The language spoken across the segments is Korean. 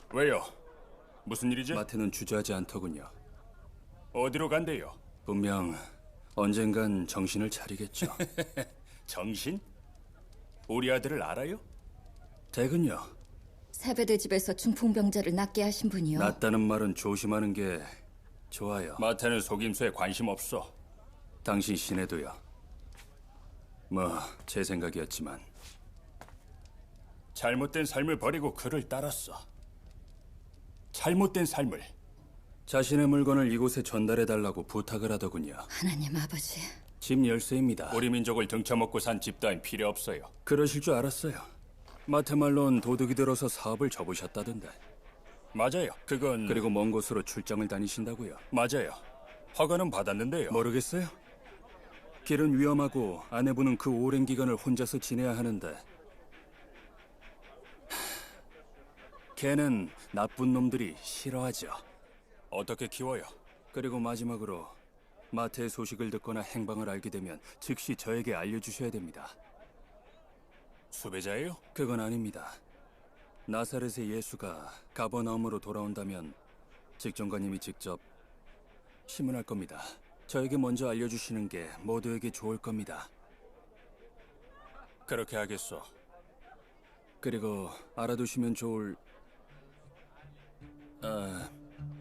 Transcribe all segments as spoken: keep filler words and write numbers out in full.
왜요? 무슨 일이지? 마태는 주저하지 않더군요. 어디로 간대요? 분명 언젠간 정신을 차리겠죠. 정신? 우리 아들을 알아요? 대근요. 세베대 집에서 중풍병자를 낫게 하신 분이요. 낫다는 말은 조심하는 게 좋아요. 마태는 속임수에 관심 없어. 당신 시내도요. 뭐 제 생각이었지만 잘못된 삶을 버리고 그를 따랐어. 잘못된 삶을. 자신의 물건을 이곳에 전달해달라고 부탁을 하더군요. 하나님 아버지. 집 열쇠입니다. 우리 민족을 등쳐먹고 산 집 따윈 필요 없어요. 그러실 줄 알았어요. 마태 말론 도둑이 들어서 사업을 접으셨다던데. 맞아요. 그건 그리고 먼 곳으로 출장을 다니신다고요. 맞아요. 허가는 받았는데요. 모르겠어요. 길은 위험하고 아내분은 그 오랜 기간을 혼자서 지내야 하는데 하, 걔는 나쁜 놈들이 싫어하죠. 어떻게 키워요? 그리고 마지막으로 마태의 소식을 듣거나 행방을 알게 되면 즉시 저에게 알려주셔야 됩니다. 수배자예요? 그건 아닙니다. 나사렛의 예수가 가버나움으로 돌아온다면 직종관님이 직접 신문할 겁니다. 저에게 먼저 알려주시는 게 모두에게 좋을 겁니다. 그렇게 하겠어. 그리고 알아두시면 좋을... 아...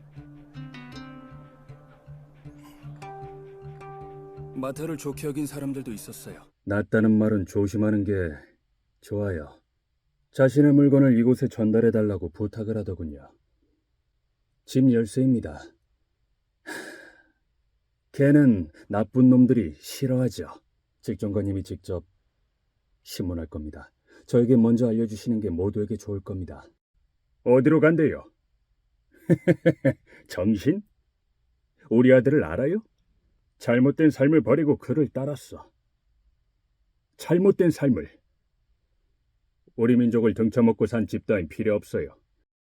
마태를 좋게 여긴 사람들도 있었어요. 낫다는 말은 조심하는 게 좋아요. 자신의 물건을 이곳에 전달해달라고 부탁을 하더군요. 집 열쇠입니다. 걔는 나쁜 놈들이 싫어하죠. 직종관님이 직접 신문할 겁니다. 저에게 먼저 알려주시는 게 모두에게 좋을 겁니다. 어디로 간대요? 정신? 우리 아들을 알아요? 잘못된 삶을 버리고 그를 따랐어. 잘못된 삶을. 우리 민족을 등쳐먹고 산 집 따윈 필요 없어요.